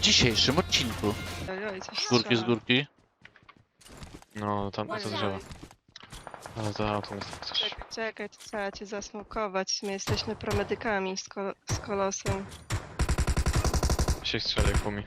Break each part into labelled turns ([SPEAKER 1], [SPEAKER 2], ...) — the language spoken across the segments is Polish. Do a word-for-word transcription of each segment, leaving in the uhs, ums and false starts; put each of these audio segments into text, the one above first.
[SPEAKER 1] dzisiejszym odcinku.
[SPEAKER 2] Ojoj, coś
[SPEAKER 1] Z górki, z
[SPEAKER 2] strzela.
[SPEAKER 1] górki.
[SPEAKER 3] No, tam to drzewo. Ale to auto jest tak coś.
[SPEAKER 2] Czekaj, czekaj, to trzeba cię zasmokować. My jesteśmy promedykami z, kol z kolosem.
[SPEAKER 3] Się strzeli kumi.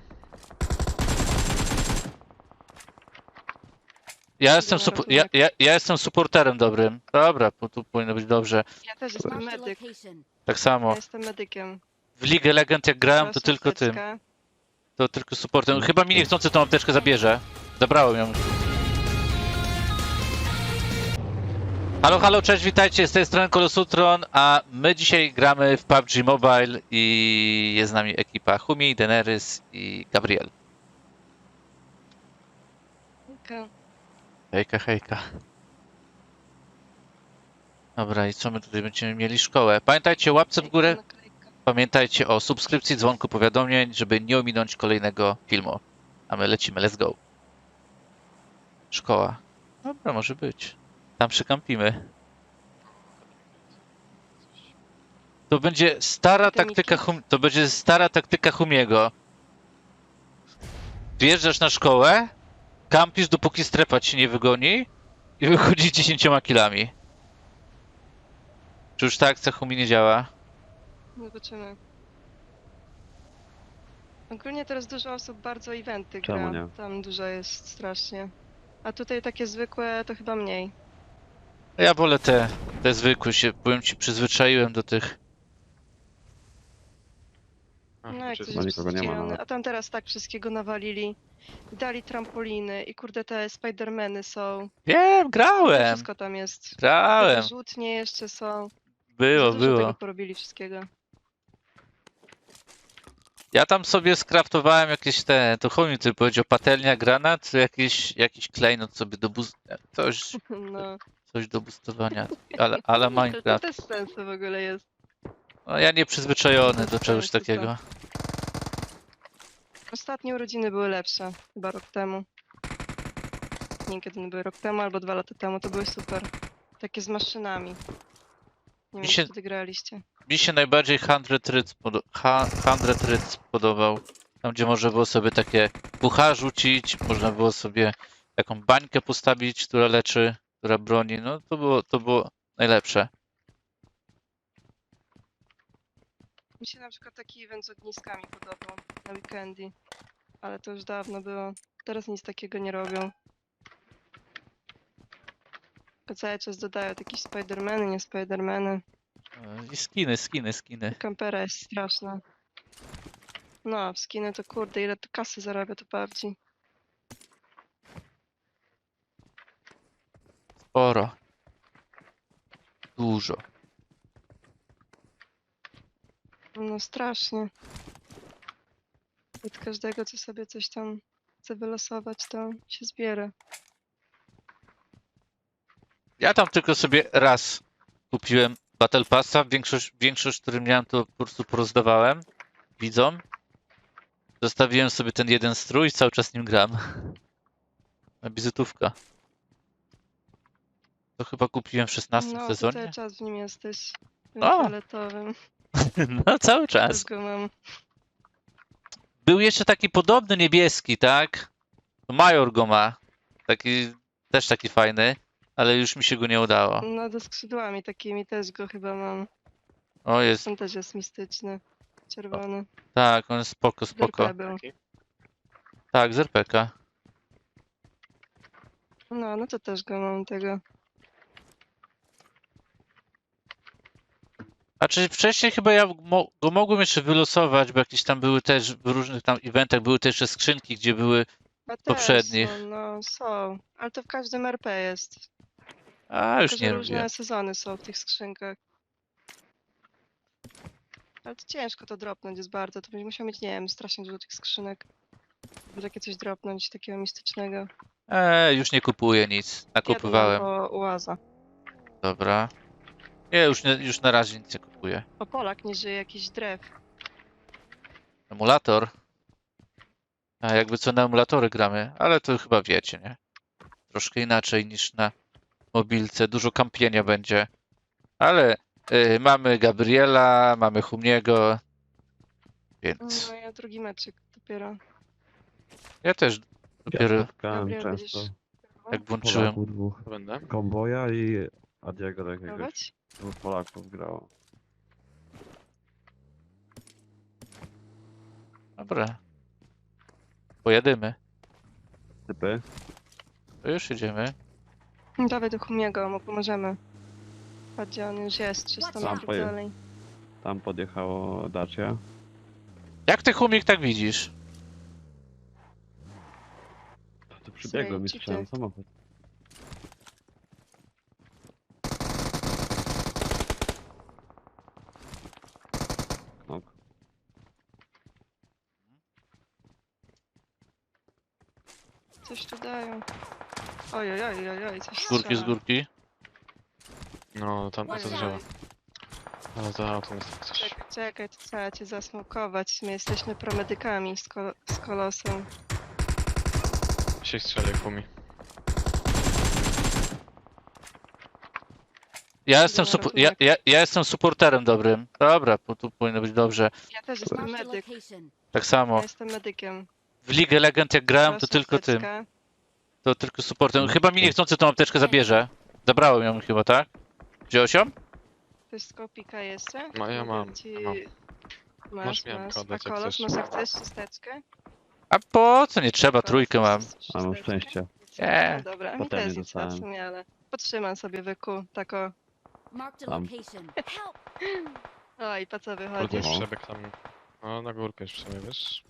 [SPEAKER 1] Ja jestem,
[SPEAKER 2] na
[SPEAKER 1] supo-
[SPEAKER 2] ratunek.
[SPEAKER 1] ja, ja, ja jestem supporterem dobrym. Dobra, bo tu powinno być dobrze.
[SPEAKER 2] Ja też jestem
[SPEAKER 4] Marked a
[SPEAKER 2] medyk.
[SPEAKER 4] location.
[SPEAKER 1] Tak
[SPEAKER 2] Ja
[SPEAKER 1] samo.
[SPEAKER 2] jestem medykiem.
[SPEAKER 1] W Ligę Legend jak grałem, to
[SPEAKER 2] Proszę,
[SPEAKER 1] tylko tym.
[SPEAKER 2] apteczka.
[SPEAKER 1] To tylko supportem. Chyba mi niechcący tą apteczkę zabierze. Zabrałem ją. Halo, halo, cześć, witajcie, z tej strony Kolosutron, a my dzisiaj gramy w P U B G Mobile i jest z nami ekipa Humi, Daenerys i Gabriel.
[SPEAKER 2] Okej.
[SPEAKER 1] Hejka, hejka. Dobra, i co my tutaj będziemy mieli? Szkołę. Pamiętajcie, łapce w górę.
[SPEAKER 2] Naklejka.
[SPEAKER 1] Pamiętajcie o subskrypcji, dzwonku powiadomień, żeby nie ominąć kolejnego filmu. A my lecimy, let's go. Szkoła. Dobra, może być. Tam przykampimy. To będzie stara
[SPEAKER 2] Akademiki?
[SPEAKER 1] taktyka hum... To będzie stara taktyka Humiego. Wjeżdżasz na szkołę, kampisz dopóki strefa ci nie wygoni i wychodzisz dziesięcioma kilami. Czy już ta akcja Humi nie działa?
[SPEAKER 2] Zobaczymy. Ogólnie teraz dużo osób bardzo eventy
[SPEAKER 5] Czemu
[SPEAKER 2] gra.
[SPEAKER 5] nie?
[SPEAKER 2] Tam dużo jest strasznie. A tutaj takie zwykłe to chyba mniej.
[SPEAKER 1] Ja wolę te, te zwykłe się, powiem ci, przyzwyczaiłem do tych.
[SPEAKER 3] A,
[SPEAKER 2] No jak
[SPEAKER 3] czy-
[SPEAKER 2] coś
[SPEAKER 5] Chyba
[SPEAKER 2] jest
[SPEAKER 5] nikogo nie ma
[SPEAKER 2] przydzielone.
[SPEAKER 5] nawet.
[SPEAKER 2] A tam teraz tak wszystkiego nawalili. Dali trampoliny i kurde te Spidermany są.
[SPEAKER 1] Wiem, grałem,
[SPEAKER 2] Wszystko tam jest.
[SPEAKER 1] grałem.
[SPEAKER 2] Te Rzutnie jeszcze są.
[SPEAKER 1] Było,
[SPEAKER 2] Za dużo
[SPEAKER 1] było.
[SPEAKER 2] tego porobili wszystkiego.
[SPEAKER 1] Ja tam sobie skraftowałem jakieś te, to Humi ty powiedział, patelnia, granat, czy jakiś, jakiś klejnot sobie do boost... Coś,
[SPEAKER 2] No.
[SPEAKER 1] coś do boostowania, ale, ale
[SPEAKER 2] To, to
[SPEAKER 1] Minecraft.
[SPEAKER 2] też sens w ogóle jest.
[SPEAKER 1] No, ja nie przyzwyczajony do
[SPEAKER 2] Bez
[SPEAKER 1] czegoś
[SPEAKER 2] sensu to.
[SPEAKER 1] takiego.
[SPEAKER 2] Ostatnie urodziny były lepsze. Chyba rok temu. Nie, kiedy one były rok temu albo dwa lata temu, to były super. Takie z maszynami. Nie wiem,
[SPEAKER 1] się-
[SPEAKER 2] czy wtedy graliście.
[SPEAKER 1] Mi się najbardziej Hundred Ryc podo- ha- Hundred Ryc podobał. Tam, gdzie można było sobie takie pucha rzucić, można było sobie taką bańkę postawić, która leczy, która broni. No to było, to było najlepsze.
[SPEAKER 2] Mi się na przykład taki event z ogniskami podobał na weekendy. Ale to już dawno było. Teraz nic takiego nie robią. Tylko cały czas dodają jakieś Spidermany, nie Spidermany.
[SPEAKER 1] E, I skiny, skiny, skiny.
[SPEAKER 2] Kampera jest straszna. No, w skiny to kurde, ile to kasy zarabia to bardziej.
[SPEAKER 1] Sporo. Dużo.
[SPEAKER 2] No strasznie. Od każdego, co sobie coś tam chce wylosować, to się zbiera.
[SPEAKER 1] Ja tam tylko sobie raz kupiłem Battle Passa. Większość, większość, który miałem, to po prostu porozdawałem widzom. Zostawiłem sobie ten jeden strój i cały czas nim gram. Na wizytówka. To chyba kupiłem w szesnastym
[SPEAKER 2] No, to
[SPEAKER 1] sezonie.
[SPEAKER 2] cały czas w nim jesteś. Tym
[SPEAKER 1] O!
[SPEAKER 2] fioletowym.
[SPEAKER 1] No cały
[SPEAKER 2] Też
[SPEAKER 1] czas.
[SPEAKER 2] go mam.
[SPEAKER 1] Był jeszcze taki podobny niebieski, tak? Major go ma. Taki, też taki fajny, ale już mi się go nie udało.
[SPEAKER 2] No, ze skrzydłami takimi też go chyba mam.
[SPEAKER 1] O, jest,
[SPEAKER 2] Ten też jest mistyczny. Czerwony.
[SPEAKER 1] tak, on jest spoko, spoko.
[SPEAKER 2] D R P był.
[SPEAKER 1] Tak, z er pe ka.
[SPEAKER 2] No, no to też go mam tego.
[SPEAKER 1] A czy wcześniej chyba ja mo go mogłem jeszcze wylosować, bo jakieś tam były też, w różnych tam eventach były też jeszcze skrzynki, gdzie były...
[SPEAKER 2] A też
[SPEAKER 1] Poprzednich.
[SPEAKER 2] Są, no, są. Ale to w każdym er pe jest.
[SPEAKER 1] A, już
[SPEAKER 2] Tylko,
[SPEAKER 1] nie
[SPEAKER 2] że różne
[SPEAKER 1] lubię.
[SPEAKER 2] sezony są w tych skrzynkach. Ale to ciężko to dropnąć jest bardzo. To będzie musiał mieć, nie wiem, strasznie dużo tych skrzynek. Żeby takie coś dropnąć, takiego mistycznego.
[SPEAKER 1] Eee, już nie kupuję nic. Nakupywałem.
[SPEAKER 2] Jedno albo Ułaza.
[SPEAKER 1] Dobra. Nie, już, nie, już na razie nic nie kupuję.
[SPEAKER 2] O, Polak nie żyje, jakiś drew.
[SPEAKER 1] Emulator. A jakby co na emulatory gramy, ale to chyba wiecie, nie? Troszkę inaczej niż na mobilce. Dużo kampienia będzie. Ale y, mamy Gabriela, mamy Humiego, więc
[SPEAKER 2] No ja drugi meczyk dopiero.
[SPEAKER 1] Ja też dopiero
[SPEAKER 4] Spotkałem
[SPEAKER 2] Gabriel,
[SPEAKER 4] często
[SPEAKER 2] będziesz
[SPEAKER 1] jak włączyłem.
[SPEAKER 4] Polaków dwóch.
[SPEAKER 3] Będę.
[SPEAKER 4] Komboja i Adiego do jakiegoś.
[SPEAKER 2] próbować?
[SPEAKER 4] Dwóch Polaków grało.
[SPEAKER 1] Dobra. Pojadymy.
[SPEAKER 4] Typy.
[SPEAKER 1] To już idziemy.
[SPEAKER 2] Dawaj do Humiego, mu pomożemy. Patrz, gdzie on już jest, trzysta
[SPEAKER 4] Tam
[SPEAKER 2] metrów
[SPEAKER 4] poje-
[SPEAKER 2] dalej.
[SPEAKER 4] Tam podjechało Dacia.
[SPEAKER 1] Jak ty Humik tak widzisz?
[SPEAKER 4] To przybiegłem i
[SPEAKER 2] Słuchaj,
[SPEAKER 4] słyszałem
[SPEAKER 2] cheaty.
[SPEAKER 4] samochód. Ok.
[SPEAKER 2] Coś tu dają. Oj, oj, oj, oj, oj, coś
[SPEAKER 1] Z górki, z
[SPEAKER 2] strzela.
[SPEAKER 1] górki.
[SPEAKER 3] No, tam
[SPEAKER 2] Oj,
[SPEAKER 3] za
[SPEAKER 2] oj,
[SPEAKER 3] drzewa.
[SPEAKER 2] oj.
[SPEAKER 3] Ale za autem jest tak coś.
[SPEAKER 2] Czekaj, czekaj, to trzeba cię zasmokować. My jesteśmy promedykami z, kol z kolosem.
[SPEAKER 3] Się strzeli kumi.
[SPEAKER 1] Ja jestem,
[SPEAKER 2] na
[SPEAKER 1] supo-
[SPEAKER 2] ratunek.
[SPEAKER 1] ja, ja, ja jestem supporterem dobrym. Dobra, po- tu powinno być dobrze.
[SPEAKER 2] Ja też jestem
[SPEAKER 5] Marked a
[SPEAKER 2] medyk.
[SPEAKER 5] location.
[SPEAKER 1] Tak
[SPEAKER 2] Ja
[SPEAKER 1] samo.
[SPEAKER 2] jestem medykiem.
[SPEAKER 1] W Ligę Legend jak grałem, to
[SPEAKER 2] Proszę,
[SPEAKER 1] tylko tym.
[SPEAKER 2] apteczka.
[SPEAKER 1] To tylko supportem. Chyba mi niechcący tą apteczkę zabierze. Zabrałem ją chyba, tak? Wziąłeś ją?
[SPEAKER 2] Ktoś z kopika jeszcze?
[SPEAKER 3] No, ja
[SPEAKER 2] Mogę
[SPEAKER 3] mam,
[SPEAKER 2] Ci...
[SPEAKER 3] mam.
[SPEAKER 2] Masz,
[SPEAKER 3] Masz, miałem
[SPEAKER 2] masz.
[SPEAKER 3] kodę,
[SPEAKER 2] A
[SPEAKER 3] jak
[SPEAKER 2] kolos,
[SPEAKER 3] chcesz.
[SPEAKER 2] może chcesz chusteczkę?
[SPEAKER 1] A po co? Nie trzeba,
[SPEAKER 2] Kolos,
[SPEAKER 1] trójkę mam.
[SPEAKER 2] chcesz
[SPEAKER 4] A mam
[SPEAKER 2] chusteczkę?
[SPEAKER 4] szczęście.
[SPEAKER 1] Nie.
[SPEAKER 2] No dobra, mi
[SPEAKER 4] Potem
[SPEAKER 2] też
[SPEAKER 4] nie
[SPEAKER 2] nie trzeba w
[SPEAKER 4] dostałem.
[SPEAKER 2] sumie, ale podtrzymam sobie wyku, tako.
[SPEAKER 5] Marked a
[SPEAKER 4] Tam.
[SPEAKER 5] location. Help!
[SPEAKER 2] Oj, po co
[SPEAKER 3] Kurde,
[SPEAKER 2] wychodzisz?
[SPEAKER 4] No.
[SPEAKER 3] przebieg tam. No, na górkę już w sumie, wiesz?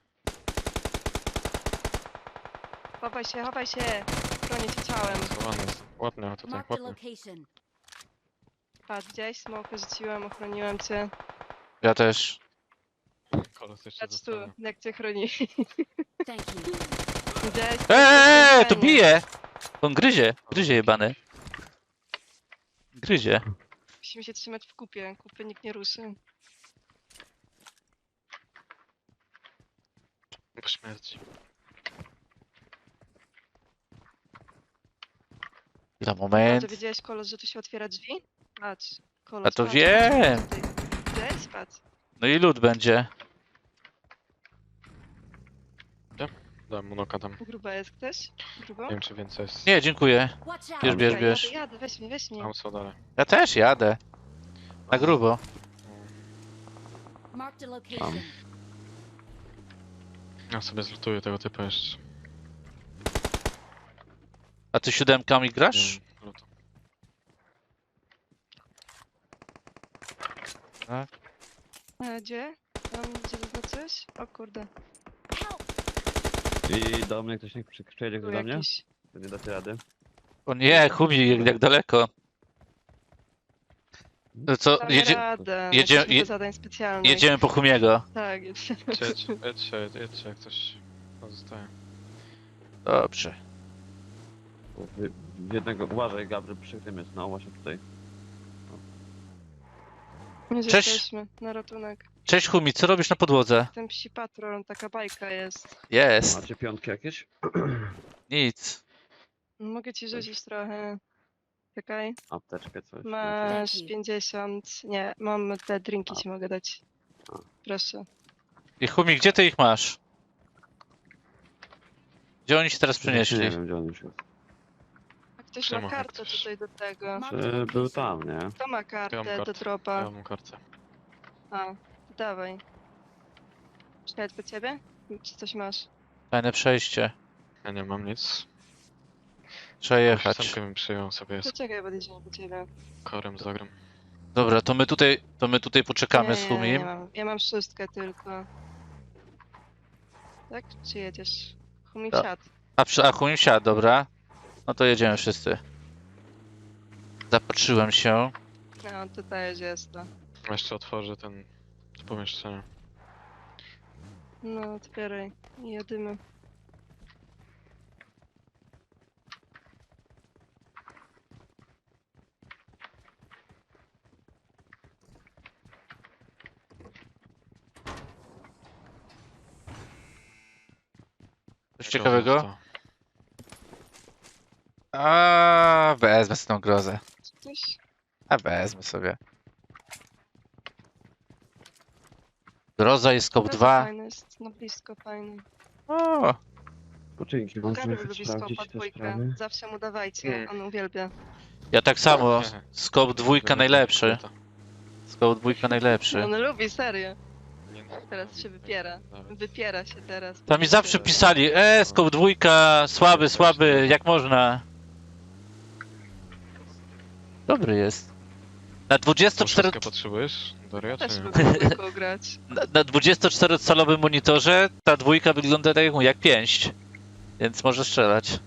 [SPEAKER 2] Chowaj się, chowaj się! Bronię cię ciałem.
[SPEAKER 3] Schowany jest. Ładnie, tutaj,
[SPEAKER 5] Marked a
[SPEAKER 3] ładnie.
[SPEAKER 5] location.
[SPEAKER 2] Patrz, gdzieś smokę rzuciłem, ochroniłem cię.
[SPEAKER 1] Ja też.
[SPEAKER 3] Kolos jeszcze
[SPEAKER 2] Patrz tu,
[SPEAKER 3] zostanie.
[SPEAKER 2] jak cię chroni.
[SPEAKER 5] Thank you.
[SPEAKER 2] Gdzieś.
[SPEAKER 1] Eee, to bije! On gryzie, gryzie jebany. Gryzie.
[SPEAKER 2] Musimy się trzymać w kupie, kupy nikt nie ruszy.
[SPEAKER 3] Po śmierci.
[SPEAKER 1] Za
[SPEAKER 2] Patrz,
[SPEAKER 1] moment.
[SPEAKER 2] wiedziałeś, kolos, że tu się otwiera drzwi? Patrz, kolos,
[SPEAKER 1] A to
[SPEAKER 2] patrz,
[SPEAKER 1] wiem.
[SPEAKER 2] patrz, tutaj. Gdzieś, patrz.
[SPEAKER 1] No i lód będzie.
[SPEAKER 3] Dałem mu noka tam.
[SPEAKER 2] Gruba jest ktoś? Grubo?
[SPEAKER 3] Nie wiem, czy więcej jest.
[SPEAKER 1] Nie, dziękuję.
[SPEAKER 5] Watch out!
[SPEAKER 1] Bierz, bierz,
[SPEAKER 2] Czekaj,
[SPEAKER 1] bierz.
[SPEAKER 2] Jadę, jadę, weź mnie, weź mnie.
[SPEAKER 3] Tam są dalej.
[SPEAKER 1] Ja też jadę. Na grubo.
[SPEAKER 5] Marked a location.
[SPEAKER 3] Ja sobie zlutuję tego typu jeszcze.
[SPEAKER 1] A ty siódemkami grasz?
[SPEAKER 3] Wiem, lutu.
[SPEAKER 2] A gdzie? Tam, gdzie zaznaczyłeś? O kurde,
[SPEAKER 5] Help!
[SPEAKER 4] I do mnie ktoś niech przy- przyjedzie
[SPEAKER 2] tu
[SPEAKER 4] ktoś do mnie?
[SPEAKER 2] jakiś.
[SPEAKER 4] To nie dacie rady.
[SPEAKER 1] O nie, Humi, jak, jak daleko. To co,
[SPEAKER 2] Damy
[SPEAKER 1] jedzie,
[SPEAKER 2] radę,
[SPEAKER 1] jedzie-
[SPEAKER 2] jesteśmy
[SPEAKER 1] je-
[SPEAKER 2] do zadań specjalnych.
[SPEAKER 1] jedziemy po Humiego.
[SPEAKER 2] Tak, jedziemy.
[SPEAKER 3] Jedź, jedźcie, jedźcie, jak coś pozostaje.
[SPEAKER 1] Dobrze.
[SPEAKER 4] W, w jednego, uważaj Gabriel, przy tym jest, no właśnie tutaj.
[SPEAKER 2] Już
[SPEAKER 1] Cześć.
[SPEAKER 2] jesteśmy na ratunek.
[SPEAKER 1] Cześć Humi, co robisz na podłodze?
[SPEAKER 2] Ten psi patrol, taka bajka jest.
[SPEAKER 1] Jest.
[SPEAKER 4] Macie piątki jakieś?
[SPEAKER 1] Nic.
[SPEAKER 2] Mogę ci rzucić trochę. Czekaj.
[SPEAKER 4] Apteczkę coś.
[SPEAKER 2] Masz
[SPEAKER 5] Thank you.
[SPEAKER 2] pięćdziesiąt. Nie, mam te drinki
[SPEAKER 4] A.
[SPEAKER 2] ci mogę dać.
[SPEAKER 4] A.
[SPEAKER 2] Proszę.
[SPEAKER 1] I Humi, gdzie ty ich masz? Gdzie oni się teraz
[SPEAKER 4] Nie
[SPEAKER 1] przenieśli?
[SPEAKER 4] wiem gdzie on już jest.
[SPEAKER 2] A ktoś
[SPEAKER 3] Siema,
[SPEAKER 2] ma kartę
[SPEAKER 3] ktoś.
[SPEAKER 2] tutaj do tego.
[SPEAKER 5] Marked a
[SPEAKER 4] Czy był
[SPEAKER 5] location.
[SPEAKER 4] tam, nie?
[SPEAKER 2] Kto ma kartę
[SPEAKER 3] mam
[SPEAKER 2] do
[SPEAKER 3] kartę. Ja
[SPEAKER 2] dropa?
[SPEAKER 3] mam kartę.
[SPEAKER 2] A, dawaj. Czekaj, po ciebie? Czy coś masz?
[SPEAKER 1] Fajne przejście.
[SPEAKER 3] Ja nie mam nic.
[SPEAKER 1] Trzeba jechać.
[SPEAKER 3] Ósemkę bym przyjął sobie
[SPEAKER 2] To
[SPEAKER 3] z
[SPEAKER 2] czekaj, podjedziemy po ciebie.
[SPEAKER 3] korem zagram.
[SPEAKER 1] Dobra, to my tutaj, to my tutaj poczekamy
[SPEAKER 2] nie,
[SPEAKER 1] z
[SPEAKER 2] nie,
[SPEAKER 1] Humim.
[SPEAKER 2] nie mam. Ja mam szóstkę tylko. Tak? Czy jedziesz? Humi
[SPEAKER 1] Tak.
[SPEAKER 2] wsiadł.
[SPEAKER 1] A, przy, a Humim siadł, dobra. No to jedziemy wszyscy. Zapatrzyłem się.
[SPEAKER 2] No, tutaj już jest to.
[SPEAKER 3] Jeszcze otworzę ten to pomieszczenie.
[SPEAKER 2] No, otwieraj. I jedymy.
[SPEAKER 1] Coś
[SPEAKER 3] Groza
[SPEAKER 1] ciekawego?
[SPEAKER 3] została.
[SPEAKER 1] A wezmę sobie tą grozę.
[SPEAKER 2] Coś?
[SPEAKER 1] A wezmę sobie. Groza jest skop
[SPEAKER 2] Bardzo
[SPEAKER 1] dwa.
[SPEAKER 2] Fajny jest, no blisko, fajny.
[SPEAKER 1] O,
[SPEAKER 4] Poczynki, mam
[SPEAKER 2] Gabriel
[SPEAKER 4] sobie
[SPEAKER 2] lubi
[SPEAKER 4] sprawdzić
[SPEAKER 2] skopa
[SPEAKER 4] te
[SPEAKER 2] dwójkę.
[SPEAKER 4] sprawy.
[SPEAKER 2] Zawsze mu dawajcie,
[SPEAKER 3] Mm.
[SPEAKER 2] on uwielbia.
[SPEAKER 1] ja tak samo. Skop dwójka najlepszy.
[SPEAKER 3] Kobieta.
[SPEAKER 1] Skop dwójka najlepszy.
[SPEAKER 2] On lubi, serio.
[SPEAKER 3] Nie, no,
[SPEAKER 2] Teraz
[SPEAKER 3] no,
[SPEAKER 2] się
[SPEAKER 3] tak,
[SPEAKER 2] wypiera.
[SPEAKER 3] nawet.
[SPEAKER 2] Wypiera się teraz.
[SPEAKER 1] Tam mi zawsze pisali, e, skop dwójka, słaby, słaby, jak można. Dobry jest. Na dwudziestocztery...
[SPEAKER 3] Szóstkę potrzebujesz, Daria,
[SPEAKER 2] Też
[SPEAKER 3] czy nie?
[SPEAKER 2] lubi dwójką grać.
[SPEAKER 1] Na, na dwudziestoczterocalowym monitorze ta dwójka wygląda tak jak, jak pięść. Więc może strzelać.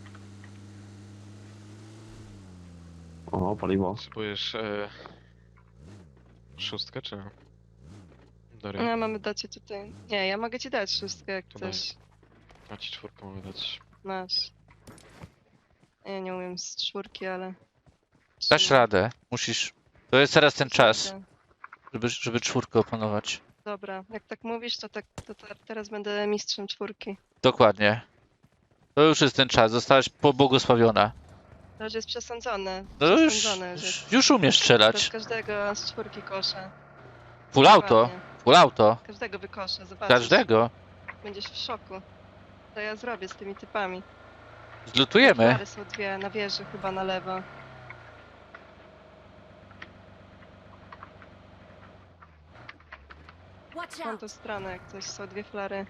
[SPEAKER 4] O, paliwo.
[SPEAKER 3] Potrzebujesz e... szóstkę, czy nie? Daria,
[SPEAKER 2] No, mamy dać ci tutaj. Nie, ja mogę ci dać szóstkę, jak
[SPEAKER 3] To daj.
[SPEAKER 2] chcesz.
[SPEAKER 3] ja ci czwórkę mogę dać.
[SPEAKER 2] Masz. Ja nie umiem z czwórki, ale...
[SPEAKER 1] Dasz
[SPEAKER 2] Trzymaj.
[SPEAKER 1] radę. Musisz. To jest teraz ten czas,
[SPEAKER 2] Dobra.
[SPEAKER 1] żeby, żeby czwórkę opanować.
[SPEAKER 2] Dobra, jak tak mówisz, to, tak, to te- teraz będę mistrzem czwórki.
[SPEAKER 1] Dokładnie. To już jest ten czas. Zostałaś pobłogosławiona.
[SPEAKER 2] To już jest przesądzone.
[SPEAKER 1] No już,
[SPEAKER 2] Przesądzone już jest.
[SPEAKER 1] już, już umiesz
[SPEAKER 2] Teraz
[SPEAKER 1] strzelać.
[SPEAKER 2] każdego z czwórki koszę.
[SPEAKER 1] Full auto.
[SPEAKER 2] Dokładnie.
[SPEAKER 1] Full auto.
[SPEAKER 2] Każdego wykoszę, zobaczysz.
[SPEAKER 1] Każdego.
[SPEAKER 2] Będziesz w szoku. Co ja zrobię z tymi typami?
[SPEAKER 1] Zlutujemy.
[SPEAKER 2] Flary są dwie na wieży, chyba na lewo.
[SPEAKER 5] Watch
[SPEAKER 2] Mam
[SPEAKER 5] out!
[SPEAKER 2] tą stronę, jak coś, są dwie flary.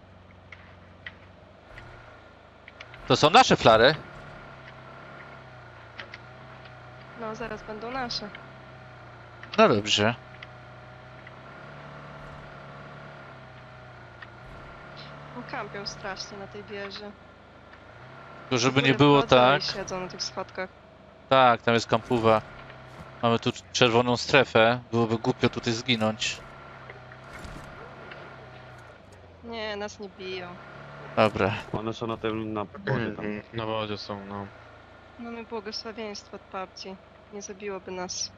[SPEAKER 1] To są nasze flary.
[SPEAKER 2] No, zaraz będą nasze.
[SPEAKER 1] No dobrze.
[SPEAKER 2] No, kampią strasznie na tej wieży.
[SPEAKER 1] To żeby nie
[SPEAKER 2] Góry
[SPEAKER 1] było
[SPEAKER 2] wchodzą
[SPEAKER 1] tak.
[SPEAKER 2] I siedzą na tych schodkach.
[SPEAKER 1] Tak, tam jest kampuwa. Mamy tu czerwoną strefę. Byłoby głupio tutaj zginąć.
[SPEAKER 2] Nie, nas nie biją.
[SPEAKER 1] Dobra.
[SPEAKER 4] One są na tym, na wodzie tam.
[SPEAKER 3] Mm, Na wodzie są, no.
[SPEAKER 2] Mamy błogosławieństwo od babci. Nie zabiłoby nas.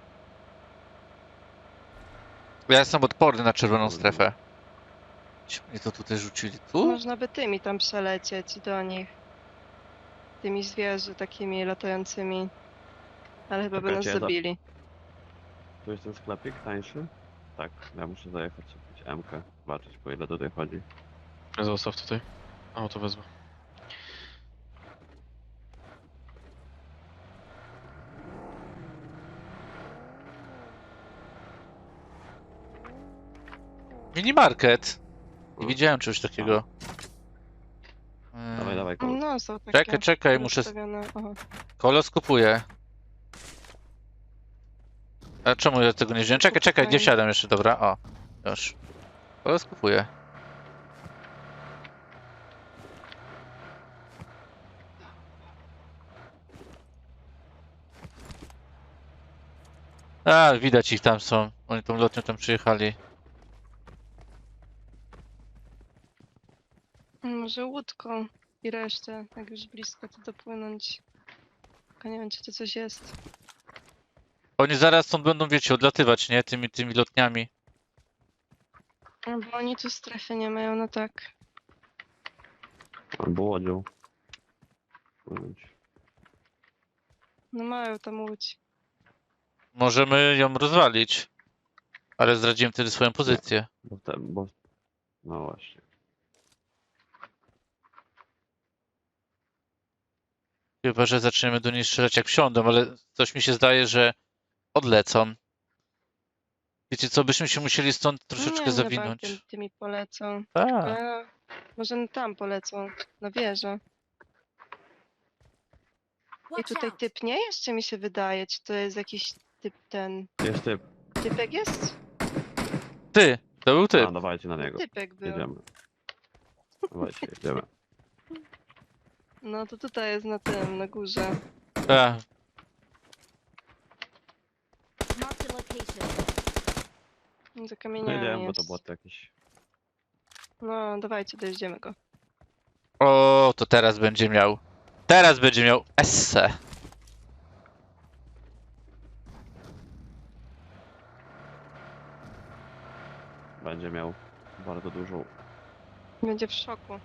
[SPEAKER 1] Ja jestem odporny na czerwoną strefę. Ci mnie to tutaj rzucili. Tu?
[SPEAKER 2] Można by tymi tam przelecieć do nich. Tymi zwierzy takimi latającymi. Ale chyba by nas
[SPEAKER 4] Czekajcie, ja za-
[SPEAKER 2] zabili.
[SPEAKER 4] Tu jest ten sklepik tańszy? Tak, ja muszę zajechać sobie M-kę, zobaczyć po ile tutaj chodzi.
[SPEAKER 3] Zostaw tutaj. O, to wezmę.
[SPEAKER 1] Minimarket. Nie
[SPEAKER 4] No.
[SPEAKER 1] widziałem czegoś takiego.
[SPEAKER 4] Dawaj,
[SPEAKER 1] Eee,
[SPEAKER 4] dawaj, koło.
[SPEAKER 2] No, są takie.
[SPEAKER 1] Czekaj, czekaj, muszę...
[SPEAKER 2] rozstawione. Aha.
[SPEAKER 1] Kolos kupuje. A czemu ja tego nie wziąłem? Czekaj, czekaj, nie
[SPEAKER 2] Spokojnie.
[SPEAKER 1] wsiadam jeszcze, dobra, o. Już. Kolos kupuje. A, widać ich tam są. Oni tą lotnią tam przyjechali.
[SPEAKER 2] Może łódką i resztę, jak już blisko, to dopłynąć. Tylko nie wiem, czy to coś jest.
[SPEAKER 1] Oni zaraz stąd będą, wiecie, odlatywać, nie? Tymi, tymi lotniami.
[SPEAKER 2] No, bo oni tu strefy nie mają, no tak.
[SPEAKER 4] Albo łodzią. Płynąć.
[SPEAKER 2] No mają tam łódź.
[SPEAKER 1] Możemy ją rozwalić. Ale zdradziłem wtedy swoją pozycję.
[SPEAKER 4] Bo te, bo... No właśnie.
[SPEAKER 1] Chyba, że zaczniemy do niej strzelać jak wsiądą, ale coś mi się zdaje, że odlecą. Wiecie co, byśmy się musieli stąd troszeczkę
[SPEAKER 2] nie,
[SPEAKER 1] zawinąć.
[SPEAKER 2] Nie, tymi polecą.
[SPEAKER 1] Tak.
[SPEAKER 2] Ale może tam polecą, na wieżę. I
[SPEAKER 5] Watch
[SPEAKER 2] tutaj
[SPEAKER 5] out!
[SPEAKER 2] typ nie jest, czy mi się wydaje? Czy to jest jakiś typ ten...
[SPEAKER 4] Jest typ.
[SPEAKER 2] Typek jest?
[SPEAKER 1] Ty, to był ty.
[SPEAKER 4] A, dawajcie na niego.
[SPEAKER 2] Typek był.
[SPEAKER 4] Jedziemy. Dawajcie, jedziemy.
[SPEAKER 2] No to tutaj jest na tym, na górze.
[SPEAKER 1] Tak.
[SPEAKER 5] Marked a location.
[SPEAKER 2] Za
[SPEAKER 4] No
[SPEAKER 2] kamieniami
[SPEAKER 4] jedziemy, bo
[SPEAKER 2] jest.
[SPEAKER 4] to było to jakieś...
[SPEAKER 2] No dawajcie, dojedziemy go.
[SPEAKER 1] O, to teraz będzie miał. Teraz będzie miał esse.
[SPEAKER 4] Będzie miał bardzo dużą...
[SPEAKER 2] Będzie w szoku.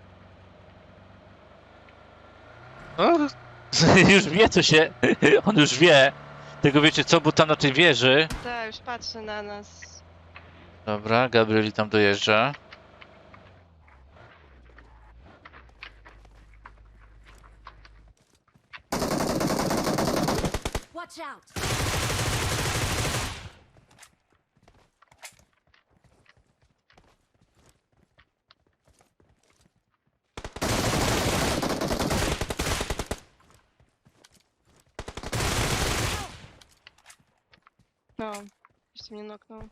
[SPEAKER 1] No, już wie co się. On już wie. Tego wiecie co, bo tam na tej wieży.
[SPEAKER 2] Tak, już patrzy na nas.
[SPEAKER 1] Dobra, Gabrieli tam dojeżdża.
[SPEAKER 5] Watch out!
[SPEAKER 2] No, jeszcze mnie noknął.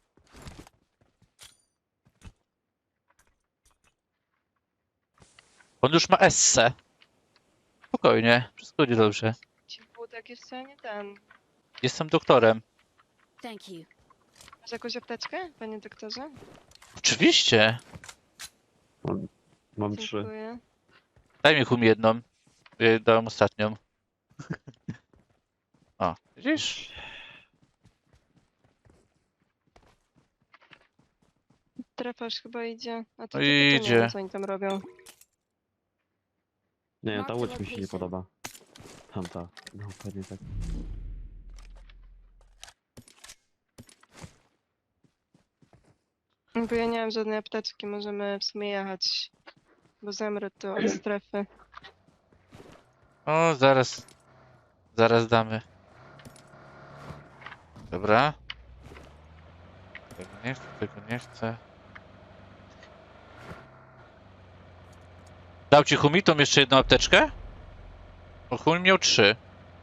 [SPEAKER 1] On już ma esse. Spokojnie, wszystko będzie dobrze.
[SPEAKER 2] Ci wódek jeszcze nie ten.
[SPEAKER 1] Jestem doktorem.
[SPEAKER 5] Thank you.
[SPEAKER 2] Masz jakąś apteczkę, panie doktorze?
[SPEAKER 1] Oczywiście.
[SPEAKER 4] Mam, mam trzy.
[SPEAKER 2] Dziękuję.
[SPEAKER 1] Daj mi hum jedną. Ja dałem ostatnią. O, widzisz?
[SPEAKER 2] Trefasz chyba idzie. A to
[SPEAKER 1] No
[SPEAKER 2] tylko to nie
[SPEAKER 1] idzie.
[SPEAKER 2] wiem, co oni tam robią.
[SPEAKER 4] Nie, ta
[SPEAKER 5] Marked
[SPEAKER 4] łódź mi się nie
[SPEAKER 5] location.
[SPEAKER 4] podoba. Tamta. No, pewnie tak.
[SPEAKER 2] Bo ja nie mam żadnej apteczki, możemy w sumie jechać. Bo zemrę tu od strefy.
[SPEAKER 1] O, zaraz. Zaraz damy. Dobra. Tego nie chcę, tego nie chcę. Dał ci Humitom jeszcze jedną apteczkę? Bo Humi miał trzy.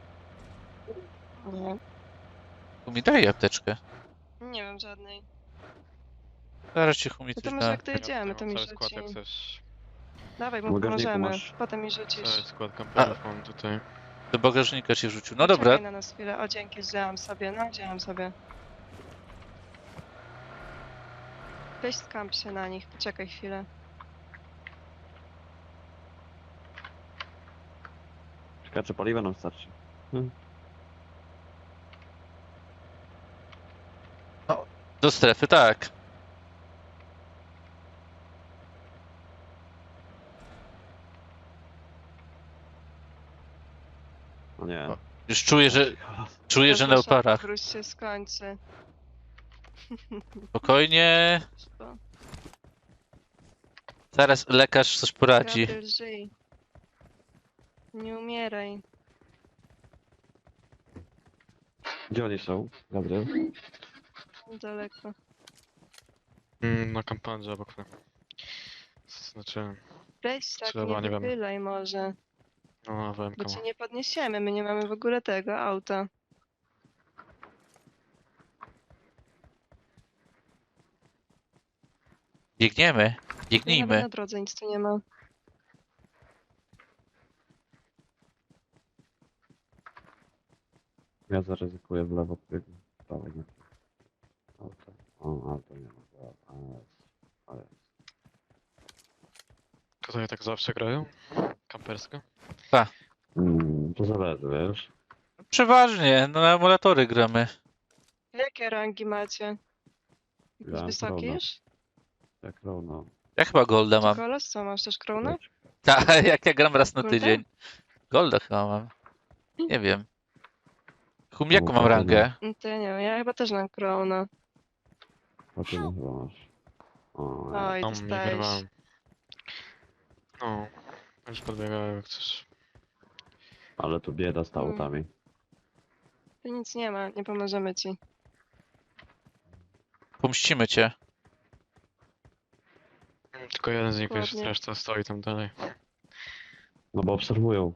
[SPEAKER 2] Nie.
[SPEAKER 1] Humi daj apteczkę.
[SPEAKER 2] Nie mam żadnej.
[SPEAKER 1] Zaraz ci Humi
[SPEAKER 2] No
[SPEAKER 1] coś
[SPEAKER 2] to może
[SPEAKER 1] da.
[SPEAKER 2] jak dojedziemy, to mi
[SPEAKER 3] Cały skład
[SPEAKER 2] rzuci.
[SPEAKER 3] jak chcesz.
[SPEAKER 2] Dawaj,
[SPEAKER 4] W
[SPEAKER 2] mu
[SPEAKER 4] bagażniku
[SPEAKER 2] pomożemy.
[SPEAKER 4] masz.
[SPEAKER 2] Potem mi rzucisz.
[SPEAKER 3] Cały skład kamperów mam tutaj.
[SPEAKER 1] Do bagażnika się wrzucił. No
[SPEAKER 2] Poczekaj
[SPEAKER 1] dobra.
[SPEAKER 2] na nas chwilę. O, dzięki, wzięłam sobie. No, wzięłam sobie. Weź skamp się na nich, poczekaj chwilę.
[SPEAKER 4] Czekaj, czy paliwa nam starczy? Hmm.
[SPEAKER 1] Do strefy, tak.
[SPEAKER 4] No nie.
[SPEAKER 1] O, Już czuję, że czuję, że na
[SPEAKER 2] Proszę,
[SPEAKER 1] oparach.
[SPEAKER 2] Wróć się skończy.
[SPEAKER 1] Spokojnie.
[SPEAKER 2] Bo
[SPEAKER 1] Zaraz lekarz coś poradzi.
[SPEAKER 2] Gabriel, żyj. Nie umieraj.
[SPEAKER 4] Gdzie oni są? Gabriel?
[SPEAKER 2] Daleko.
[SPEAKER 3] Mm, na kampandzie obok mnie. Znaczy,
[SPEAKER 2] Weź tak,
[SPEAKER 3] Trzeba,
[SPEAKER 2] nie
[SPEAKER 3] nie wiem.
[SPEAKER 2] wychylaj może.
[SPEAKER 3] no A W M
[SPEAKER 2] Bo
[SPEAKER 3] K
[SPEAKER 2] cię
[SPEAKER 3] ma.
[SPEAKER 2] nie podniesiemy, my nie mamy w ogóle tego auta.
[SPEAKER 1] Biegniemy.
[SPEAKER 2] Nawet
[SPEAKER 1] Biegnijmy.
[SPEAKER 2] na drodze nic tu nie ma.
[SPEAKER 4] Ja zaryzykuję w lewo, ty w prawo, nie. Auto. O, auto nie ma. A jest. A jest.
[SPEAKER 3] Tutaj tak zawsze grają? Kampersko?
[SPEAKER 4] Mm, to zależy, wiesz?
[SPEAKER 1] Przeważnie, no na emulatory gramy.
[SPEAKER 2] Jakie rangi macie? Jakieś
[SPEAKER 4] Ja mam
[SPEAKER 2] wysokie
[SPEAKER 4] krona.
[SPEAKER 2] już?
[SPEAKER 4] Jak równo.
[SPEAKER 1] Ja chyba Golda mam.
[SPEAKER 2] Kolos, co masz też krona?
[SPEAKER 1] Tak, jak ja gram raz na
[SPEAKER 2] Golda?
[SPEAKER 1] tydzień. Golda chyba mam. Nie wiem. Hum, jaką
[SPEAKER 4] No,
[SPEAKER 1] mam
[SPEAKER 4] to
[SPEAKER 1] rangę?
[SPEAKER 2] No to ja nie wiem, ja chyba też mam krona.
[SPEAKER 4] O ty nie chyba masz. O,
[SPEAKER 2] Oj,
[SPEAKER 3] Tam nie
[SPEAKER 2] dostałeś.
[SPEAKER 3] wyrwałem. No, już podbiegałem jak chcesz.
[SPEAKER 4] ale tu bieda z
[SPEAKER 2] Mm.
[SPEAKER 4] autami.
[SPEAKER 2] Tu nic nie ma, nie pomożemy ci.
[SPEAKER 1] Pomścimy cię.
[SPEAKER 3] Tylko jeden z nich wiesz,
[SPEAKER 2] Dokładnie.
[SPEAKER 3] reszta stoi tam dalej.
[SPEAKER 4] No bo obserwują.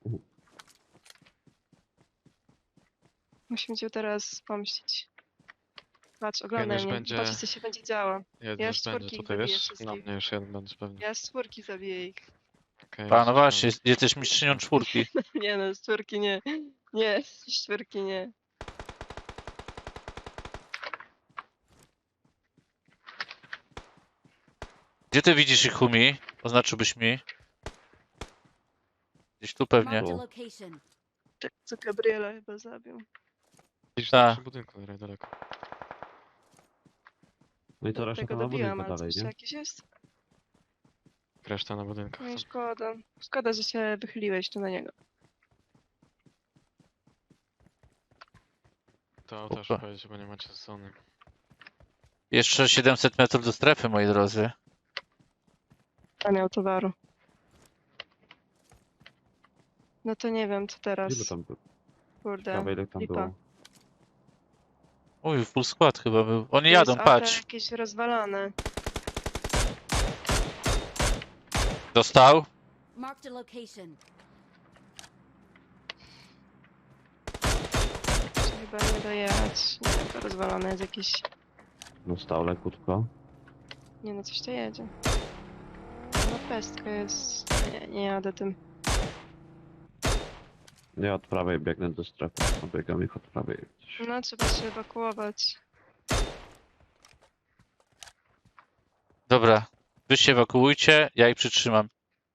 [SPEAKER 2] Musimy cię teraz pomścić. Patrz, oglądaj
[SPEAKER 3] już
[SPEAKER 2] mnie.
[SPEAKER 3] będzie-
[SPEAKER 2] Patrz, co się będzie działo.
[SPEAKER 3] Jeden
[SPEAKER 2] Ja
[SPEAKER 3] już
[SPEAKER 2] z
[SPEAKER 3] będzie
[SPEAKER 2] czwórki
[SPEAKER 3] tutaj,
[SPEAKER 2] zabiję
[SPEAKER 3] wiesz?
[SPEAKER 2] wszystkich.
[SPEAKER 3] Na mnie już jeden będzie pewnie.
[SPEAKER 2] Ja z czwórki zabiję ich.
[SPEAKER 3] Okej,
[SPEAKER 1] A, no
[SPEAKER 3] już
[SPEAKER 1] właśnie,
[SPEAKER 3] mam.
[SPEAKER 1] jesteś mistrzynią czwórki.
[SPEAKER 2] Nie no, z czwórki nie. Nie, z czwórki nie.
[SPEAKER 1] Gdzie ty widzisz ich, Humi? Oznaczyłbyś mi? Gdzieś tu pewnie.
[SPEAKER 5] Marked a location.
[SPEAKER 2] Tak, co Gabriela chyba zabił.
[SPEAKER 3] Widzisz,
[SPEAKER 1] Ta.
[SPEAKER 3] tam przy budynku dalej daleko.
[SPEAKER 4] No i to reszta
[SPEAKER 2] Tego
[SPEAKER 4] to na
[SPEAKER 2] dobiłam,
[SPEAKER 4] budynku
[SPEAKER 2] ale
[SPEAKER 4] dalej,
[SPEAKER 2] coś
[SPEAKER 4] nie?
[SPEAKER 2] jakiś jest?
[SPEAKER 3] Reszta na budynkach.
[SPEAKER 2] No i
[SPEAKER 3] tam.
[SPEAKER 2] szkoda. Szkoda, że się wychyliłeś tu na niego.
[SPEAKER 3] To auto już
[SPEAKER 1] Opa.
[SPEAKER 3] powiedzieć, bo nie macie zony.
[SPEAKER 1] Jeszcze siedemset metrów do strefy, moi drodzy.
[SPEAKER 2] A miał towaru. No to nie wiem, co
[SPEAKER 4] Ile
[SPEAKER 2] teraz.
[SPEAKER 4] tam było?
[SPEAKER 2] Kurde,
[SPEAKER 4] Ciekawe, ile tam
[SPEAKER 2] lipa.
[SPEAKER 4] było.
[SPEAKER 1] Uj, full skład chyba był. Oni
[SPEAKER 2] Tu
[SPEAKER 1] jadą,
[SPEAKER 2] jest auto
[SPEAKER 1] patrz.
[SPEAKER 2] jakieś rozwalane.
[SPEAKER 1] Dostał.
[SPEAKER 5] Marked a location.
[SPEAKER 2] Chyba nie dojechać. Nie wiem, to rozwalone jest jakieś...
[SPEAKER 4] Dostał lekutko.
[SPEAKER 2] Nie no, coś to jedzie. No pestka jest... Nie, nie jadę tym.
[SPEAKER 4] Ja od prawej biegnę do strefy. Obiegam ich od prawej. jak coś.
[SPEAKER 2] No, trzeba się ewakuować.
[SPEAKER 1] Dobra. Wy się ewakuujcie, ja ich przytrzymam.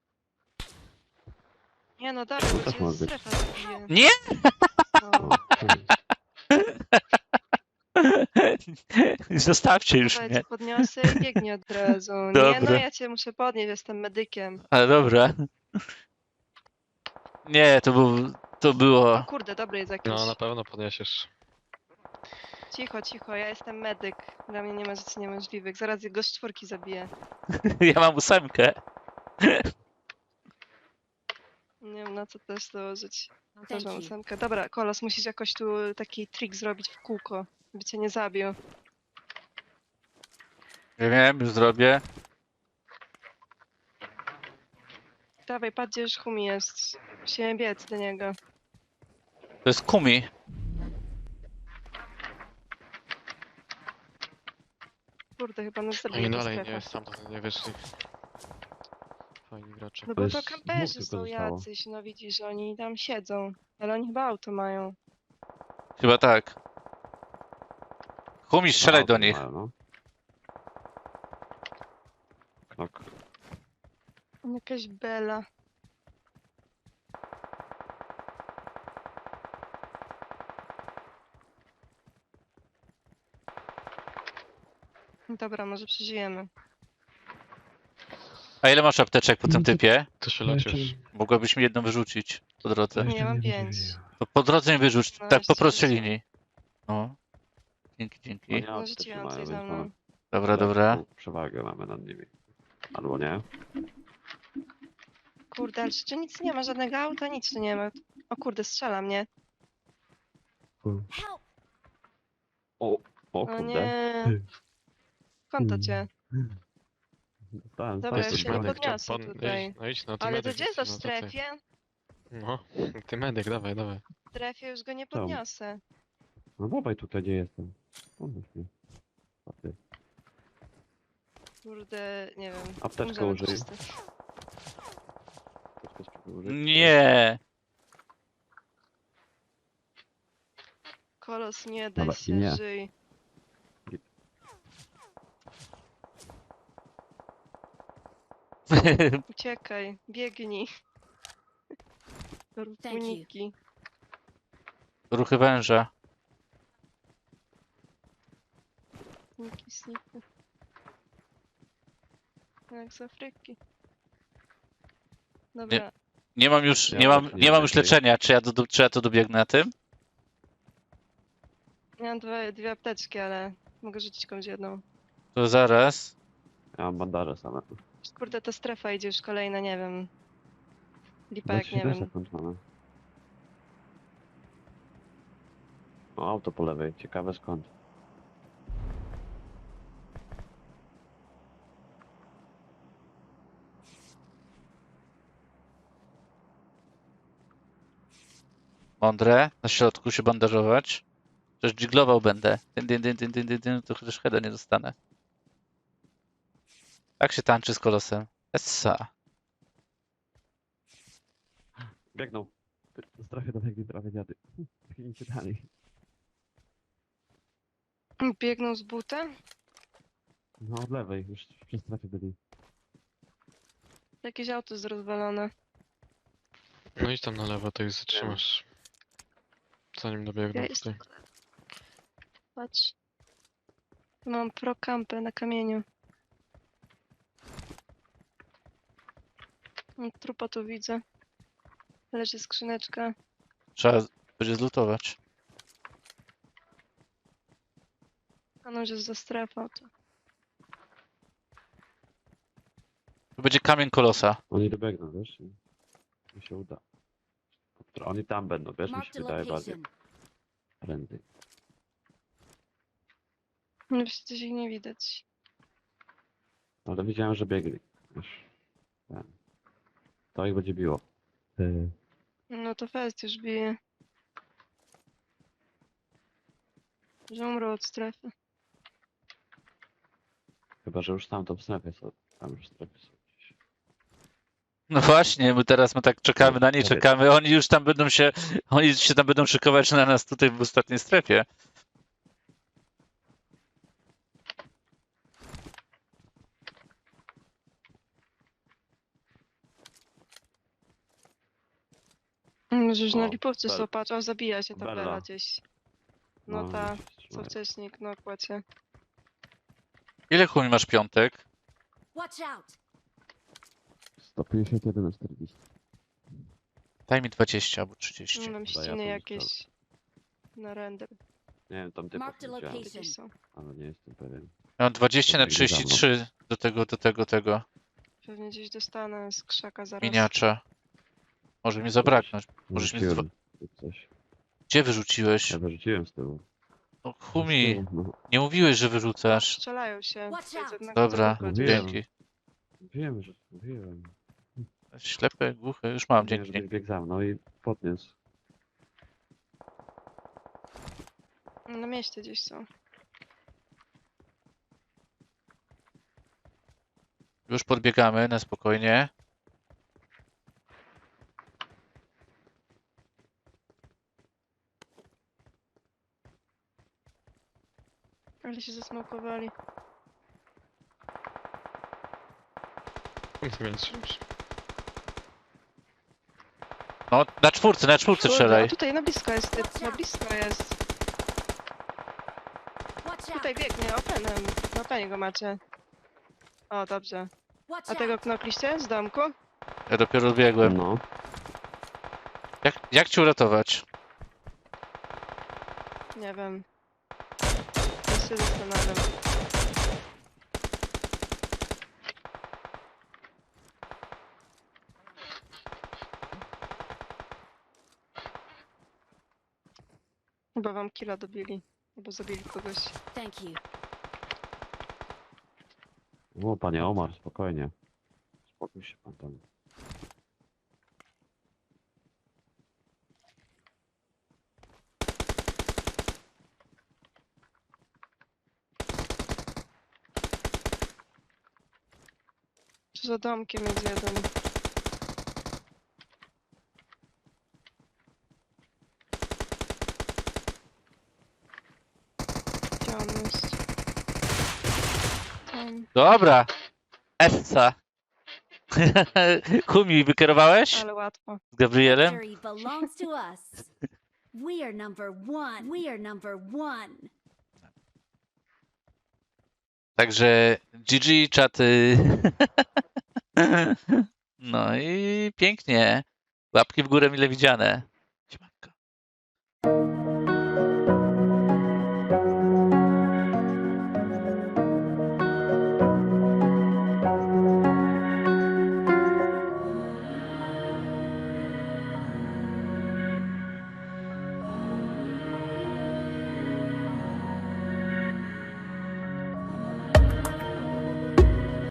[SPEAKER 2] Nie no, dalej,
[SPEAKER 4] To
[SPEAKER 2] bo
[SPEAKER 4] też
[SPEAKER 2] cię
[SPEAKER 4] może być.
[SPEAKER 2] strefa zabije.
[SPEAKER 1] Nie!
[SPEAKER 2] No.
[SPEAKER 4] O, hmm.
[SPEAKER 1] Zostawcie już
[SPEAKER 2] Dawaj,
[SPEAKER 1] mnie.
[SPEAKER 2] cię podniosę i biegnie od razu. Nie no,
[SPEAKER 1] Dobra.
[SPEAKER 2] ja cię muszę podnieść, jestem medykiem.
[SPEAKER 1] Ale dobra. Nie, to był... To
[SPEAKER 2] O
[SPEAKER 1] było...
[SPEAKER 2] kurde, dobry jest jakiś.
[SPEAKER 3] No na pewno podniesiesz.
[SPEAKER 2] Cicho, cicho, ja jestem medyk. Dla mnie nie ma rzeczy niemożliwych. Zaraz jego z czwórki zabiję.
[SPEAKER 1] Ja mam ósemkę.
[SPEAKER 2] Nie wiem na co też dołożyć. No też
[SPEAKER 5] Thank
[SPEAKER 2] mam
[SPEAKER 5] you.
[SPEAKER 2] ósemkę. Dobra, Kolos, musisz jakoś tu taki trik zrobić w kółko, by cię nie zabił.
[SPEAKER 1] Ja wiem, już zrobię.
[SPEAKER 2] Dawaj, patrz gdzie już Humi jest. Musimy biec do niego.
[SPEAKER 1] To jest Kumi.
[SPEAKER 2] Kurde, chyba nas
[SPEAKER 3] No
[SPEAKER 2] zabije
[SPEAKER 3] i
[SPEAKER 2] ta
[SPEAKER 3] dalej
[SPEAKER 2] strefa.
[SPEAKER 3] nie, stamtąd nie wyszli. Fajni gracze.
[SPEAKER 2] No
[SPEAKER 4] To
[SPEAKER 2] bo to
[SPEAKER 4] jest
[SPEAKER 2] kamperzy
[SPEAKER 4] dwóch
[SPEAKER 2] są
[SPEAKER 4] tylko zostało.
[SPEAKER 2] jacyś, no widzisz, oni tam siedzą. Ale oni chyba auto mają.
[SPEAKER 1] Chyba tak. Kumi, strzelaj
[SPEAKER 4] Auto
[SPEAKER 1] do nich.
[SPEAKER 4] mają, no. Knok.
[SPEAKER 2] Jakaś bela. Dobra, może przeżyjemy.
[SPEAKER 1] A ile masz apteczek po tym
[SPEAKER 4] No to-
[SPEAKER 1] typie?
[SPEAKER 3] To się
[SPEAKER 4] No
[SPEAKER 3] lecisz.
[SPEAKER 4] jeszcze-
[SPEAKER 1] Mogłabyś mi jedną wyrzucić po drodze.
[SPEAKER 2] Nie, ja mam pięć.
[SPEAKER 1] To po drodze nie wyrzuć,
[SPEAKER 2] No,
[SPEAKER 1] tak po
[SPEAKER 2] jeszcze
[SPEAKER 1] prostej
[SPEAKER 2] rzucę.
[SPEAKER 1] linii. No. Dzięki,
[SPEAKER 4] No
[SPEAKER 1] dzięki.
[SPEAKER 4] nie
[SPEAKER 2] No
[SPEAKER 4] apteczki
[SPEAKER 2] rzuciłam
[SPEAKER 4] mają,
[SPEAKER 2] coś
[SPEAKER 4] więc
[SPEAKER 2] za mną.
[SPEAKER 4] mamy
[SPEAKER 1] Dobra, dobra.
[SPEAKER 4] lekką przewagę mamy nad nimi. Albo nie.
[SPEAKER 2] Kurde, ale czy nic nie ma, żadnego auta, nic tu nie ma. O kurde, strzela mnie.
[SPEAKER 5] Help!
[SPEAKER 4] O, o
[SPEAKER 2] O
[SPEAKER 4] kurde.
[SPEAKER 2] nie. Skąd to cię?
[SPEAKER 4] Dostałem
[SPEAKER 2] Dobra, ja
[SPEAKER 4] stamtąd
[SPEAKER 2] się
[SPEAKER 3] Jesteś
[SPEAKER 2] nie
[SPEAKER 4] broń.
[SPEAKER 3] medyk, to
[SPEAKER 2] podniosę
[SPEAKER 3] pod...
[SPEAKER 2] tutaj.
[SPEAKER 3] Idź, no idź, no ty
[SPEAKER 2] Ale to
[SPEAKER 3] medyk
[SPEAKER 2] gdzie jest to w
[SPEAKER 3] jesteś, no to ty.
[SPEAKER 2] strefie?
[SPEAKER 3] No, ty medyk, dawaj, dawaj.
[SPEAKER 2] W strefie już go nie
[SPEAKER 4] Tam.
[SPEAKER 2] podniosę.
[SPEAKER 4] No dawaj tutaj, gdzie jestem. Pomóż mi. Paty.
[SPEAKER 2] Kurde, nie wiem.
[SPEAKER 4] Apteczkę
[SPEAKER 2] umrzemy
[SPEAKER 4] użyj.
[SPEAKER 2] wszyscy.
[SPEAKER 4] Apteczkę spróbuj użyć.
[SPEAKER 1] Nie.
[SPEAKER 2] Kolos, nie daj
[SPEAKER 4] Dobra,
[SPEAKER 2] się,
[SPEAKER 4] nie.
[SPEAKER 2] żyj. Uciekaj, biegnij. Rób
[SPEAKER 5] Thank you.
[SPEAKER 2] uniki.
[SPEAKER 1] Ruchy węża.
[SPEAKER 2] Uniki, sniki. Jak z Afryki. Dobra,
[SPEAKER 1] Nie mam już,
[SPEAKER 4] Ja
[SPEAKER 1] nie mam,
[SPEAKER 4] też nie
[SPEAKER 1] nie mam już
[SPEAKER 4] wiem.
[SPEAKER 1] leczenia. Czy ja, do, czy ja to dobiegnę na tym?
[SPEAKER 2] miałam dwie, dwie apteczki, ale mogę rzucić komuś jedną.
[SPEAKER 1] To zaraz.
[SPEAKER 4] Ja mam bandaże same.
[SPEAKER 2] Kurde, ta strefa idzie już kolejna, nie wiem. Lipa jak nie
[SPEAKER 4] dwadzieścia
[SPEAKER 2] wiem.
[SPEAKER 4] sekund mamy. O, auto po lewej. Ciekawe skąd.
[SPEAKER 1] Mądre. Na środku się bandażować. Przecież dżiglował będę. Dyn, dyn, dyn, dyn, dyn, dyn, dyn, to chociaż heada nie dostanę. Tak się tańczy z kolosem. Essa.
[SPEAKER 4] Biegną. Do strefy dobiegli prawie dziady. Biegnijcie dalej.
[SPEAKER 2] Biegną z buta?
[SPEAKER 4] No od lewej. Już przy strefie byli.
[SPEAKER 2] Jakieś auto jest rozwalone.
[SPEAKER 3] No idź tam na lewo, to ich zatrzymasz. Zanim dobiegną
[SPEAKER 2] Ja
[SPEAKER 3] tutaj.
[SPEAKER 2] jestem. Patrz. Mam pro kampę na kamieniu. Mm, Trupa tu widzę. Leży skrzyneczka.
[SPEAKER 1] Trzeba będzie zlutować.
[SPEAKER 2] A no, że jest za strefą, to...
[SPEAKER 1] To będzie kamień kolosa.
[SPEAKER 4] Oni dobiegną, wiesz? i Mi się uda. Oni tam będą, wiesz? Mi się
[SPEAKER 5] Marked a
[SPEAKER 4] wydaje bardziej
[SPEAKER 5] location.
[SPEAKER 4] prędzej.
[SPEAKER 2] No przecież ich nie widać.
[SPEAKER 4] Ale widziałem, że biegli. Wiesz? Ten. To ich będzie biło. Ty.
[SPEAKER 2] No to fest już bije. Że umrą od strefy.
[SPEAKER 4] Chyba, że już tam to w strefie są. Tam już w strefie są gdzieś.
[SPEAKER 1] No właśnie, my teraz my tak czekamy na nie,
[SPEAKER 4] Powiedz.
[SPEAKER 1] czekamy. Oni już tam będą się, oni się tam będą szykować na nas tutaj w ostatniej strefie.
[SPEAKER 2] Może już na
[SPEAKER 4] O,
[SPEAKER 2] lipowcu
[SPEAKER 4] Bel-
[SPEAKER 2] są, patrz, o zabija się ta
[SPEAKER 4] Bella.
[SPEAKER 2] Bela gdzieś. No ta,
[SPEAKER 4] gdzieś
[SPEAKER 2] co
[SPEAKER 4] trzymają.
[SPEAKER 2] wcześniej knokła cię.
[SPEAKER 1] Ile chumi masz piątek?
[SPEAKER 5] Watch out!
[SPEAKER 4] sto pięćdziesiąt jeden na czterdzieści.
[SPEAKER 1] Daj mi dwadzieścia albo trzydzieści.
[SPEAKER 2] No, mam
[SPEAKER 4] Chyba ja
[SPEAKER 2] ściny
[SPEAKER 4] to
[SPEAKER 2] jakieś na render.
[SPEAKER 4] Nie wiem, tam typów
[SPEAKER 5] Marked a
[SPEAKER 4] widziałem,
[SPEAKER 5] location.
[SPEAKER 2] Gdzieś są.
[SPEAKER 4] ale nie jestem pewien.
[SPEAKER 1] Ja mam dwadzieścia na
[SPEAKER 4] Biegnie za mną.
[SPEAKER 1] trzydzieści trzy do tego, do tego, tego.
[SPEAKER 2] Pewnie gdzieś dostanę z krzaka zaraz.
[SPEAKER 1] Miniacza. Może mi zabraknąć. Możesz mi
[SPEAKER 4] Wyrzuciłem tu coś.
[SPEAKER 1] Gdzie wyrzuciłeś?
[SPEAKER 4] Ja wyrzuciłem z tyłu.
[SPEAKER 1] No
[SPEAKER 4] Z
[SPEAKER 1] chumi,
[SPEAKER 4] tyłu, no.
[SPEAKER 1] nie mówiłeś, że wyrzucasz.
[SPEAKER 2] Strzelają się.
[SPEAKER 5] Watch
[SPEAKER 2] To jest
[SPEAKER 5] out.
[SPEAKER 2] jednego
[SPEAKER 1] Dobra,
[SPEAKER 2] co
[SPEAKER 4] Mówiłem.
[SPEAKER 1] dzięki.
[SPEAKER 4] Wiem, że mówiłem.
[SPEAKER 1] Ślepy, głuchy, już mam,
[SPEAKER 4] Mówiłem,
[SPEAKER 1] dzięki.
[SPEAKER 4] żebyś biegł za mną i podniósł.
[SPEAKER 2] Na mieście gdzieś są.
[SPEAKER 1] Już podbiegamy na spokojnie.
[SPEAKER 2] Ale się zasmokowali.
[SPEAKER 3] Więc
[SPEAKER 1] No, na czwórce, na czwórce
[SPEAKER 2] Kurde,
[SPEAKER 1] strzelaj.
[SPEAKER 2] a tutaj na blisko jest typ, na blisko jest.
[SPEAKER 5] Watch out!
[SPEAKER 2] Tutaj biegnie, openem. Na openie go macie. O, dobrze.
[SPEAKER 5] Watch
[SPEAKER 2] A tego
[SPEAKER 5] out!
[SPEAKER 2] knokliście z domku?
[SPEAKER 1] Ja dopiero biegłem.
[SPEAKER 4] No.
[SPEAKER 1] Jak, jak cię uratować?
[SPEAKER 2] Nie wiem. Ja się zastanawiam. Chyba wam killa dobili. Albo zabili kogoś.
[SPEAKER 5] Thank you.
[SPEAKER 4] O, panie Omar, spokojnie. Spokój się pan tam.
[SPEAKER 2] Tu za domkiem jest jeden. Gdzie on jest? Tam.
[SPEAKER 1] Dobra. Essa. Kumi, wykierowałeś
[SPEAKER 2] Ale łatwo.
[SPEAKER 1] z Gabrielem?
[SPEAKER 5] Victory belongs to us. We are number one. We are number one.
[SPEAKER 1] Także G G, czaty. No i pięknie. Łapki w górę mile widziane.